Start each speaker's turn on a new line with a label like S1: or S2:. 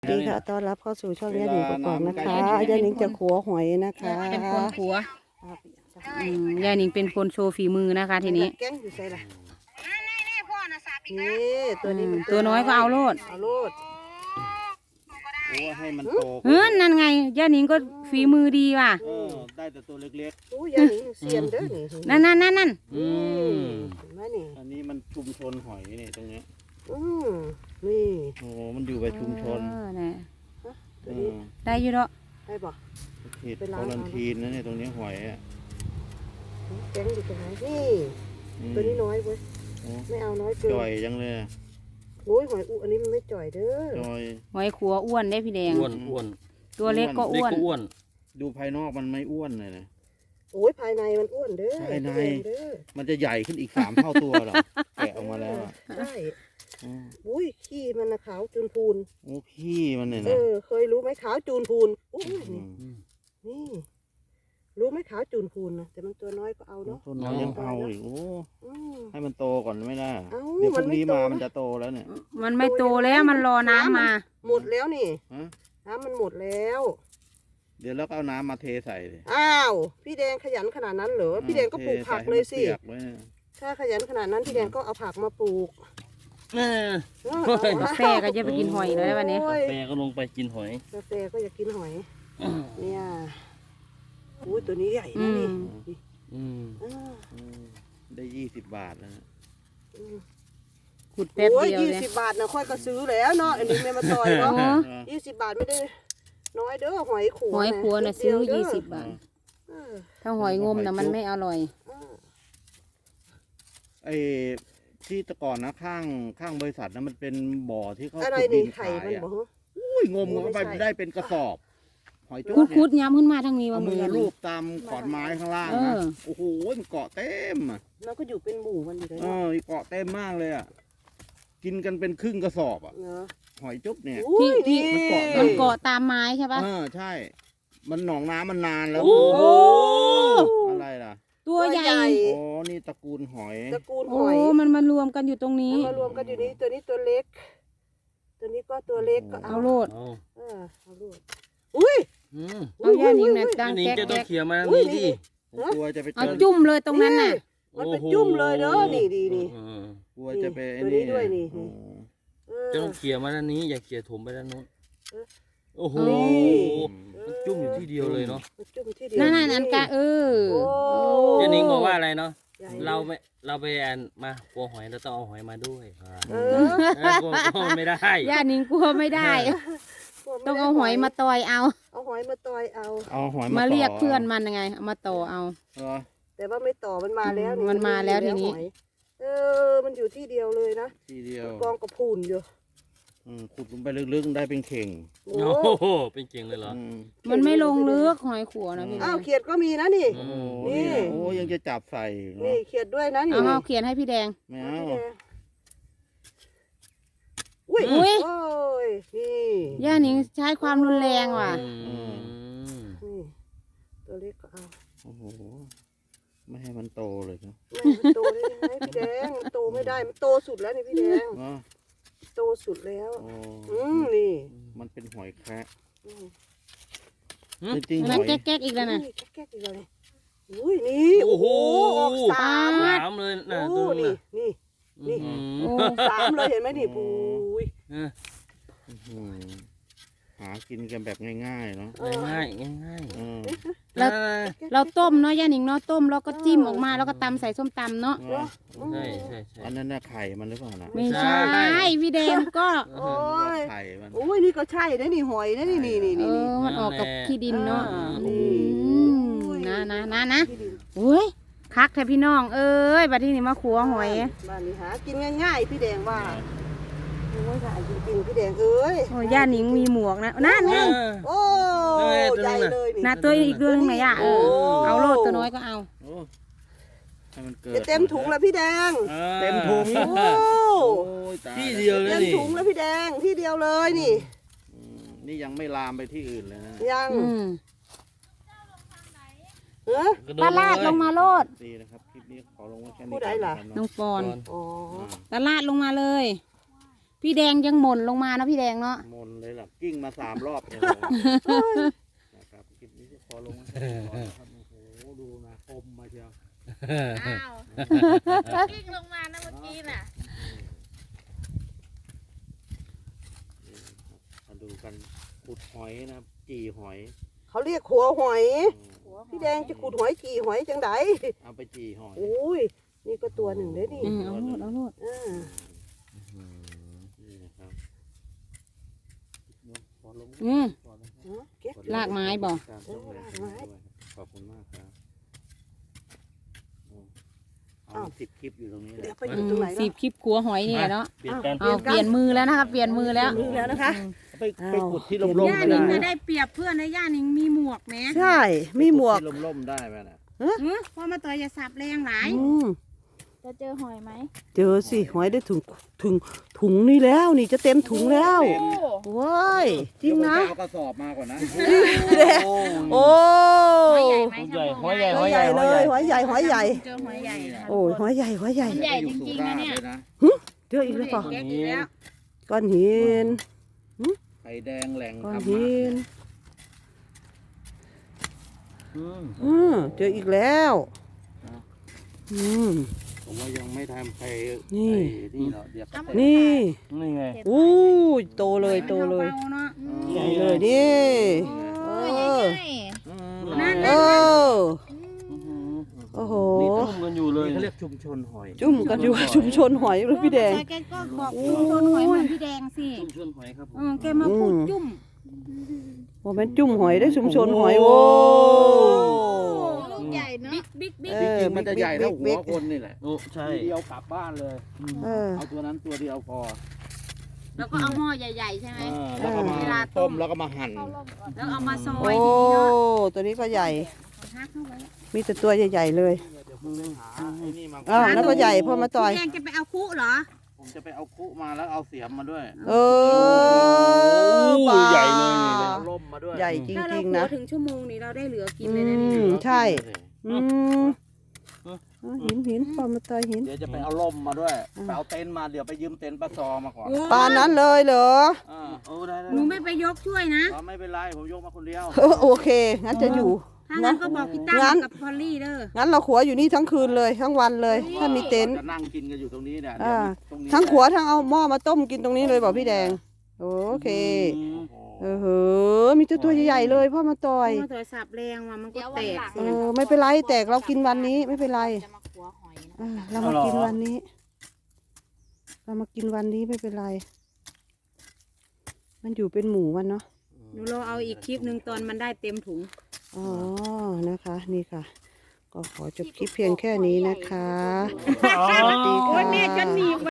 S1: สวัสดีค่ะต้อนรับเข้าสู่ช่องยาหนิงกอกๆนะคะยาหนิงจะขัวหอยนะคะ
S2: เป็นคนขัวยายหนิงเป็นคนโชว์ฝีมือนะคะทีนี้
S1: แก้งอยู่ใส่ละนี่ตัวนี้มัน
S2: ตัวน้อยก็เอาโลด
S1: เอาโลด
S3: โอ้ให้มันโต
S2: นั่นไงยายหนิงก็ฝีมือดีว่ะ
S3: ได้แต่ตัวเล็ก
S1: อู้ยาหนิงเซียนเด้อนี่
S2: นั่น
S3: ๆ
S1: เห็นไหมนี่
S3: อันนี้มันชุมชนหอยนี่ตรงนี้
S1: นี่
S3: โอ้มันอยู่กับชุมชน
S2: น่ะ
S1: ตัวนี้
S2: ได้อยู่เนาะ
S1: ได้บ่
S3: เขตควอลันทีนนะเนี่ยตรงนี้หอยอ่ะ
S1: แก้งอยู่ตรงไหนนี่ตัวนี้น้อยเว้ยไม่เอาน้อยเกิน
S3: จ่อยจังเลย
S1: โอ้ยหอยอุอันนี้มันไม่จ่อยเด้อ
S3: จ่อย
S2: หอยขัวอ้วนได้พี่แดง
S4: อ้วน
S2: ตัวเล็กก็
S4: เล็ก
S2: อ้วน
S4: ก็อ้วน
S3: ดูภายนอกมันไม่อ้วนเลยนะ
S1: โอ้ยภายในมันอ้วนเด้อ
S3: ภายใน
S1: เด้อ
S3: มันจะใหญ่ขึ้นอีก3 เท่าตัวหรอแกะออกมาแล้วอ่ะ
S1: ใช่อุ้ยขี้มันนะขาวจูนพูน
S3: โอ้ขี้มันเนี่ยนะ
S1: เคยรู้ไหมขาวจูนพูนอุ้ยนี่ รู้ไหมขาวจูนพูนนะแต่มันตัวน้อยก็เอาเนาะ
S3: ต้นน้อยยังเอาอีกโอ้
S1: อืม
S3: ให้มันโตก่อนไม่ได้
S1: เอ้า
S3: เดี๋ยวพรุ่ง
S1: มันไม่
S3: นี้
S1: โต
S3: มา
S1: นะ
S3: มันจะโตแล้วเนี่ย
S2: มันไม่โตแล้วมันรอน้ำมา
S1: หมดแล้วนี่
S3: ฮะ
S1: น้ำมันหมดแล้ว
S3: เดี๋ยวเราก็เอาน้ำมาเทใส่เลย
S1: อ้าวพี่แดงขยันขนาดนั้นเหรอพี่แดงก็ปลูกผักเลยสิ
S3: ทใส่ให้มันปีกไว้เนี่ย
S1: ถ้าขยันขนาดนั้นพี่แดงก็เอาผักมาปลูก
S4: เออ
S2: กาแฟก็จะไปกินหอยเลยวันนี้
S1: โอ้ย
S4: แฟก็ลงไปกินหอย
S1: กาแฟก็อยากกินหอยเนี่ยอุ้ยตัวนี้ใหญ่
S2: อื
S1: นะ
S2: ม
S1: นี่
S4: อืม
S3: ได้20 บาทแล้วนะ
S2: ขุดแป๊บ
S1: โอ้ย
S2: เดียวเลย
S1: 20 บาทนะค่อยก็ซื้อแล้วเนาะอันนี้ไม่มาต่อยเนาะ
S2: โอ้
S1: 20 บาทไม่ได้น้อยเด้อหอยขัว
S2: หอยขัวน่ะซื้อ
S1: นิดเดีวเด้
S2: 20 บาท
S1: เออ
S2: ถ้าหอยงมน่ะมันไม่อร่อย
S1: เออ
S3: ไอ้ที่แตะก่อนนะข้างบริษัทนะมันเป็นบ่อที่เขา
S1: อะไร
S3: ขุดดิ
S1: นี่
S3: น
S1: ไข่
S3: ขาย
S1: มัน
S3: อ่ะ
S1: บอก
S3: อุ้ยงมเข้าไป
S1: ไม่ใช่
S3: ได้เป็นกระสอบ หอยจุ๊
S2: คุด
S3: บ
S2: คุ
S3: เนี่ย
S2: ดย้ำขึ้นมาทางนี้
S3: เอา
S2: ว่า
S3: มือ
S2: มัน
S3: ลูบตามขอนไม้ข้างล่าง
S2: เอ
S3: นะ
S2: อ
S3: โอ้โหมันเกาะเต็มอ่ะ
S1: เราก็อยู่เป็นหมู่มันอยู่เลย
S3: เอ
S1: เนาะ
S3: อเกาะเต็มมากเลยอ่ะกินกันเป็นครึ่งกระสอบอ่ะ
S1: เนาะ
S3: หอยจุ๊บเนี่ย
S1: อุ้ย
S2: ที่
S1: นี่
S2: มันเกาะตามไม้ใช่ปะ
S3: ใช่ มันหนองน้ำมันนานแล้ว
S2: โอ้
S3: อะไรล่ะ
S2: ตัวใหญ่
S3: โอ้นี่ตระกูลหอย
S1: ตระกูลห
S2: โอ้
S1: อย
S2: มันมารวมกันอยู่ตรงนี้
S1: เอามารวมกันอยู่นี่ตัวนี้ตัวเล็ก ตัวนี้ก็ตัวเล็กก็
S2: เอาโลด
S4: เอา
S1: เอาลูกอุ้ย
S4: อืม
S2: เอาย่านิงน่ะดัง
S4: นี่
S2: แก๊ก
S4: จะต้อ
S2: แก๊
S4: ง
S2: ก
S4: เคลียร์มาทาง
S1: อุ้ย
S4: นี้ดิ
S3: ผมกลัวจะไปเจ
S2: เอา
S3: อ
S2: จุ่มเลยตรงนั้นน่ะ
S1: มันเป็นจุ่มเลยเด้อนี่ดีนี่
S4: เออก
S3: ลัวจะไปไอ้
S1: ตัวนี้ด้วยนี่
S3: โอ้
S4: จะต้องเคลียร์มาด้านนี้อย่าเคลียร์ถมไปด้านโน้นโอ้โห
S1: นี่
S4: มันจุ่มอยู่ที่เดียวเลยเนาะ
S1: มันจุ่มที่เดียว
S2: นั่นนั่นกะ
S1: โ
S2: โ
S1: อ้
S4: เจนิงบอกว่าอะไรเนาะ
S1: ใหญ่
S4: เราไปแอนมาปัวหอยเราต้องเอาหอยมาด้วยค่ะ
S1: เอ
S4: กลัวไม่ได้
S2: ย่านิงกลัวไม่ได้ ต้องเอาหอยมาตอยเอา
S1: เอาหอยมาต่อยเอา
S3: เอาหอย
S2: มาเรียก
S3: ต่
S2: เพื่อนมันยังไงเอามาต่อเอา
S3: เหรอ
S1: แต่ว่าไม่ต่อมันมาแล้วนี่
S2: มันมาแล้วทีนี้
S1: หอยมันอยู่ที่เดียวเลยนะ
S3: ทีเดียว
S1: กองกระพูนอยู่
S3: ขุดลงไปลึกๆได้เป็นเข่ง
S1: โอ้
S4: โอ้โหเป็นเก่งเลยเหรอ
S2: มันไม่ลงลึกหอยขัวนะพี่แด
S1: อ้าว
S2: ง
S1: เขียดก็มีนะนี่
S3: โอ้โห
S1: นี่
S3: เนี่ยโอ้ยังจะจับใส่เน
S1: นี่
S3: อะ
S1: เขียดด้วยนะนี่
S2: เอาเขียนให้พี่แดง
S3: ไม่
S1: เอา
S3: เอา
S1: พี่แดงอุ้ย
S2: อุ๊ย
S1: โอ้ยนี่
S2: ย่านิงใช้ความรุนแรงว่ะ
S4: อืม
S1: นี่ตัวเล็กก็เอา
S3: โอ้โหไม่ให้มันโตเลยเนาะ
S1: แม่มันโตได้ยังไงพี่แดงมันโตไม่ได้มันโตสุดแล้วนี่พี่แดง
S3: เนาะ
S1: โตสุดแล้ว
S3: โอ้
S1: นี่
S3: มันเป็นหอยแคระ
S1: อืม
S3: จริงๆห
S2: นั่น
S3: อย
S2: แก๊กๆอีกแล้วนะ
S1: นี่แก๊กๆอีกแล้วนี่อุ้ยนี่โอ้โหออกสาม
S4: สามเลยนะ
S1: โอ้
S4: ตัวนี้
S1: นี่นี่
S4: อืม
S2: โอ้
S1: สามเลยเห็นไหมนี่ปุ้ย
S4: เออ
S3: อืมหากินกันแบบง่ายๆเนาะ
S4: ง่ายๆง่าย
S3: อืม
S4: ๆ
S2: แล้ว เราต้มเนาะย่านิงเนาะต้มแล้วก็จิ้มออกมาแล้วก็ตำใส่ส้มตำเนาะ
S3: เนาะ
S4: ใช่ใช่ใช่
S3: อันนั้นน่ะไข่มันหรือเปล่านะ
S2: ไม่ใช่พี่แดงก็
S1: โอ้ย
S3: ไข่มัน
S1: โอ้ยนี่ก็ใช่นะนี่หอยนะนี่นี่นี่
S2: เอ
S1: นี่
S2: อมันออกกับขี้ดินเนาะ
S1: นี่
S2: นะโอ้ยคักแท้พี่น้องเอ้ยบัดนี้นี่มาขัวหอย
S1: บ้านนี้หากินง่ายๆพี่แดงว่าโอ้ยหาจริงๆพี่แดงเอ้ย
S2: โอ้ย่านิงมีหมวกนะนั่นไง
S1: โอ้ใหญ่เลยนี่
S2: นะตัวอีกตัวนึงไหนอ่ะเอาโลดตัวน้อยก็เอา
S3: โอ้ให้มันเกิด
S1: จะเต็มถุงแล้วพี่แดง
S3: เต็มถุง
S1: โอ้
S3: โอ้ยตาย
S4: ที่เดียวเลย
S1: เต็ม
S4: นี่
S1: ถุงแล้วพี่แดงที่เดียวเลยนี่
S3: นี่ยังไม่ลามไปที่อื่นเลยนะ
S1: ยัง
S2: อืม
S1: เออ
S2: ตลาดลงมาโลด
S3: ดีนะครับคลิปนี้ขอลงไว้แค่นี้
S1: ผู้ใดล่ะ
S3: ก่
S2: น้องปอน
S1: อ๋อ
S2: ตลาดลงมาเลยพี่แดงยังหม่นลงมานะพี่แดงเนาะ
S3: มนเลยล่ะกิ้งมา3 รอบเนี่ยนะครับคลิปนี้จะขอลงนะครับโอ้โหดูนะคมมาเชียว
S2: อ้าวกิ้งลงมานะเมื่อกี้น่ะ
S3: มาดูกันขุดหอยนะครับจี่หอย
S1: เขาเรียกหัวหอย พี่แดงจะขุดหอยกี่หอยจังได
S3: เอาไปจี่หอย
S1: โอ้ยนี่ก็ตัวหนึ่งได้นี่
S2: เอาโลดเอาโลด
S1: อ่า
S3: นี่นะครับ
S1: เก็บ
S2: ลากไม้บ่
S3: ขอบคุณมากครับเอา10 คลิปอยู่ตรงนี้เล
S1: เดี๋
S3: ย
S1: ยวไปอยู่ตรงไหน
S2: สิ
S1: เนาะ
S2: บคลิปขัวหอยนี่แหละเนาะ
S4: เปลี่ยนกัน
S2: เอาเปลี่ยนมือแล้วนะคะเปลี่ยนมือแล้ว
S1: มือแล้วนะคะ
S3: ไปขุดที่ร่ม
S2: ย่า
S3: ๆไม่
S2: นิง
S3: ได้
S2: จะได้เปรียบเพื่อนนะย่านิงมีหมวกแหม
S1: ใช่มีหมวก
S3: ที่ร่มๆได้ไหมนะ
S2: เพราะมาต่อยอย่าสับแรงหลาย
S1: อืม
S5: จะเจอหอยไหม
S1: เจอสิหอยได้ถุงนี่แล้วนี่จะเต็มถุงแล้วว้ายจริงนะ
S3: เดี๋ยวผมจเอากระสอบมาก่อนนะ
S1: โอ้
S2: หอยใหญ่ไหม
S4: หอยใหญ่ห
S1: ห
S4: อ
S1: อย ย
S4: ให
S1: ให
S4: ญ่
S1: ญ่เลยหอยใหญ่หอยใหญ่
S2: เจอหอยใหญ่ค่ะ
S1: โอ้ยหอยใหญ่หอยใหญ่
S2: ใหญ่จริงๆนะเนี่ย
S1: เจออีกแล้วเปล่า
S2: แก๊กอีกแล้ว
S1: ก้อนหิน
S3: ไข่แดงแหล่ง
S1: ก้อน
S3: ธรร
S1: หิ
S3: มะ
S1: น เจออีกแล้วอืม
S3: ผมว่ายังไม่ทำใคร
S1: นี่
S3: ไอ้นี่หรอกเดี๋ยวก็
S1: นี่
S4: นี่ไง
S1: อู้ยโตเลยโตเลย
S2: เบาๆเนาะ
S1: ใหญ่เลยนี่เออ
S2: นั่น
S1: เอ
S2: นั่น
S1: อโอ้โห
S4: นี่ต้มกันอยู่เลย
S3: นี่เขาเรียกชุมชนหอย
S1: จุ่มกันอยู่ชุมชนหอยเลยพี่แดง
S2: แกก็บอกชุมชนหอยเหมือนพี่แดงสิ
S4: ชุมชนหอยครับผม
S2: แกมาพูดจุ่ม
S1: โอ้แม่นจุ่มหอยได้ชุมชนหอยโว้
S5: ลูกใหญ่เนาะ
S2: บิ๊ก
S1: เอ
S3: จ
S1: อ
S3: ริงๆมันจะใหญ่เท่าหัว
S1: บิ๊ก
S3: คนนี่แหละ
S4: โอ้ใช่
S3: ทีเดียวกลับบ้านเลย
S1: เออ
S3: เอาตัวนั้นตัวเดียวพอ
S2: แล้วก็เอาหม้อใหญ่ๆใช่ไหม
S3: แล้วก็มา
S2: เวลาต้
S3: ต้
S2: ม
S3: มแล้วก็มาหั่น
S2: แล้วเอามาซอ
S1: โอ้
S2: ยทีนี้เนาะ
S1: ตัวนี้ก็ใหญ่
S2: ฮักเข้าไว้
S1: มีแต่ตัวใหญ่ๆเลย
S3: เดี๋ยวผมไปหาไอ้นี่มา
S1: อ้าวแล้วก็ใหญ่พ่อมาต่อย
S2: พี่แดงจะไปเอาคุเหรอ
S3: ผมจะไปเอาคุมาแล้วเอาเสียมมาด้วย
S1: เออปลา
S4: ใหญ่เลยนี่
S3: เอาล่มมาด้วย
S1: ใหญ่จ
S2: ถ้าเรา
S1: ริง
S2: ขั
S1: ๆ
S2: ว
S1: นะ
S2: ถึงชั่วโมงนี้เราได้เหลือกิน
S1: อื
S2: เลยนะนี่
S1: มใช่ อืมหินพ่อมาต่อยหิน
S3: เดี๋ยวจะไปเอาล่มมาด้วยไปเอาเต็นท์มาเดี๋ยวไปยืมเต็นท์ปลาซอมาก่อน
S1: ปลานั้นเลยเหรอ
S4: โอ้ได้
S2: หนูไม่ไปยกช่วยนะ
S3: ไม่เป็นไรผมยกมาคนเดียว
S1: โอเค งั้นจะอยู่
S2: ถ้างั้นก็บอกพี่ตั้
S1: งั้
S2: ม
S1: น
S2: กับพอลลี่เด้อ
S1: งั้นเราขัวอยู่นี่ทั้งคืนเลยทั้งวันเลย ถ้ามีเต็นท์
S3: จะนั่งกินกันอยู่ตรงนี้เนี่ย
S1: อ่า
S3: ตรงนี้
S1: ทั้งขัวทั้งเอาหม้อมาต้มกินตรงนี้เลยบอกพี่แดง โอเค
S3: โอ้โห
S1: เออมีแต่ตัวใหญ่ๆเลยพ่อมาต่อย
S2: มาต่อยสับแรงว่ะมันก็แตก
S1: เออไม่เป็นไรแตกเรากินวันนี้ไม่เป็นไร
S5: จะมาขัวหอยนะ
S1: อ่าเรามากินวันนี้ เรามากินวันนี้ไม่เป็นไร มันอยู่เป็นหมู่มันเนาะ
S2: หนูรอเอาอีกคลิปหนึ่งตอนมันได้เต็มถุง
S1: อ๋อ นะคะ นี่ค่ะ ก็ขอจบคลิปเพียงแค่นี้นะคะ
S4: อ๋อ
S1: สวัสดี
S2: โอ้
S1: ค่ะ
S2: ยแม่จะหนีบ